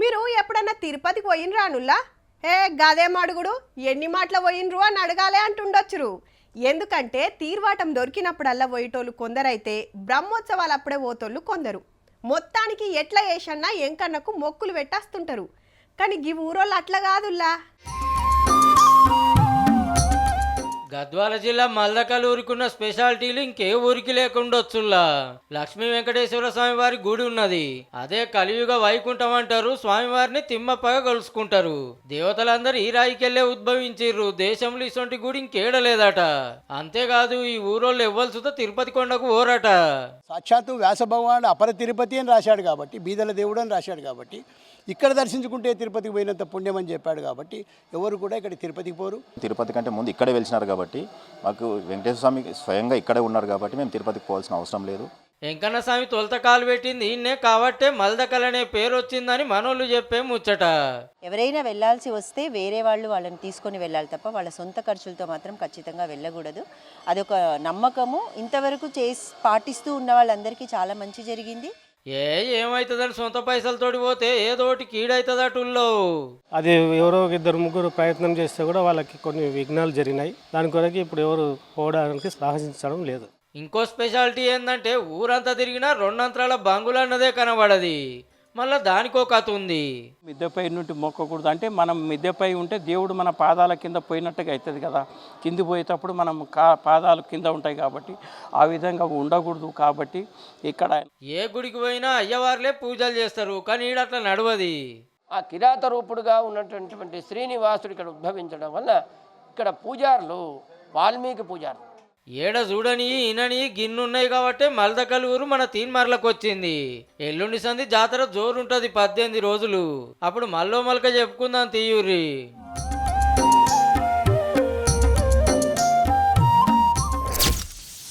మీరు ఎప్పుడన్నా తిరుపతికి పోయినరా అనుల్లా? గదేం అడుగుడు, ఎన్ని మాటల పోయినరు అని అడగాలే అంటుండొచ్చురు. ఎందుకంటే తీర్వాటం దొరికినప్పుడల్లా పోయేటోళ్ళు కొందరైతే బ్రహ్మోత్సవాలు అప్పుడే పోతోళ్ళు కొందరు. మొత్తానికి ఎట్లా చేసన్నా ఎంకన్నకు మొక్కులు పెట్టేస్తుంటారు. కానీ ఈ ఊరోళ్ళు అట్లా కాదుల్లా. గద్వాల జిల్లా మల్దకల్ ఊరికున్న స్పెషాలిటీలు ఇంకే ఊరికి లేకుండొచ్చుల్లా. లక్ష్మీ వెంకటేశ్వర స్వామి వారి గుడి ఉన్నది. అదే కలియుగ వైకుంఠం అంటారు. స్వామివారిని తిమ్మప్పగా కలుసుకుంటారు. దేవతలందరూ ఈ రాయికెళ్లే ఉద్భవించిర్రు. దేశంలో ఇసొంటి గుడి ఇంకేడలేదట. అంతేకాదు ఈ ఊరోళ్ళు ఎవ్వల్సుతో తిరుపతి కొండకు ఓరట. సాక్షాత్తు వ్యాస భగవానుడు అపర తిరుపతి అని రాశాడు కాబట్టి, బీదల దేవుడు అని రాశాడు కాబట్టి, ఇక్కడ దర్శించుకుంటే తిరుపతికి పోయినంత పుణ్యం అని చెప్పాడు కాబట్టి ఎవరు కూడా ఇక్కడ తిరుపతికి పోరు. తిరుపతి కంటే ముందు ఇక్కడే వెలిసినారు కాబట్టి మాకు వెంకటేశ్వర స్వామి స్వయంగా ఇక్కడే ఉన్నారు కాబట్టి మేము తిరుపతికి పోవాల్సిన అవసరం లేదు. వెంకన్న స్వామి తొలత కాలు పెట్టింది ఈయన్నే కాబట్టే మల్దకల్ అనే పేరు వచ్చిందని మనోళ్ళు చెప్పే ముచ్చట. ఎవరైనా వెళ్ళాల్సి వస్తే వేరే వాళ్ళని తీసుకొని వెళ్ళాలి తప్ప వాళ్ళ సొంత ఖర్చులతో మాత్రం ఖచ్చితంగా వెళ్ళకూడదు. అదొక నమ్మకము. ఇంతవరకు పాటిస్తూ ఉన్న వాళ్ళందరికీ చాలా మంచి జరిగింది. ఏమవుతుందని సొంత పైసలతోటి పోతే ఏదోటి కీడవుతుందటుల్లో. అది ఎవరో ఇద్దరు ముగ్గురు ప్రయత్నం చేస్తే కూడా వాళ్ళకి కొన్ని విఘ్నాలు జరిగినాయి. దాని కొరకు ఇప్పుడు ఎవరు పోవడానికి సాహసించడం లేదు. ఇంకో స్పెషాలిటీ ఏంటంటే ఊరంతా తిరిగినా రెండంతరాల బంగులు అన్నదే కనబడది. మళ్ళీ దానికో కథ ఉంది. మిద్దెపై నుండి మొక్కకూడదు అంటే మనం మిద్దెపై ఉంటే దేవుడు మన పాదాల కింద పోయినట్టుగా అవుతుంది కదా. కింది పోయేటప్పుడు మనం పాదాలు కింద ఉంటాయి కాబట్టి ఆ విధంగా ఉండకూడదు. కాబట్టి ఇక్కడ ఏ గుడికి పోయినా అయ్యవారులే పూజలు చేస్తారు. కానీ ఈడట్లా నడవది. ఆ కిరాత రూపుడుగా ఉన్నటువంటి శ్రీనివాసుడు ఇక్కడ ఉద్భవించడం వల్ల ఇక్కడ పూజారులు వాల్మీకి పూజారులు. ఏడ చూడని ఈనని గిన్నున్నాయి కాబట్టి మల్దకల్ ఊరు మన తీన్మార్లకు వచ్చింది. ఎల్లుండి సంది జాతర జోరుంటది 18 రోజులు. అప్పుడు మల్లో మల్క చెప్పుకుందాం తీయూరి.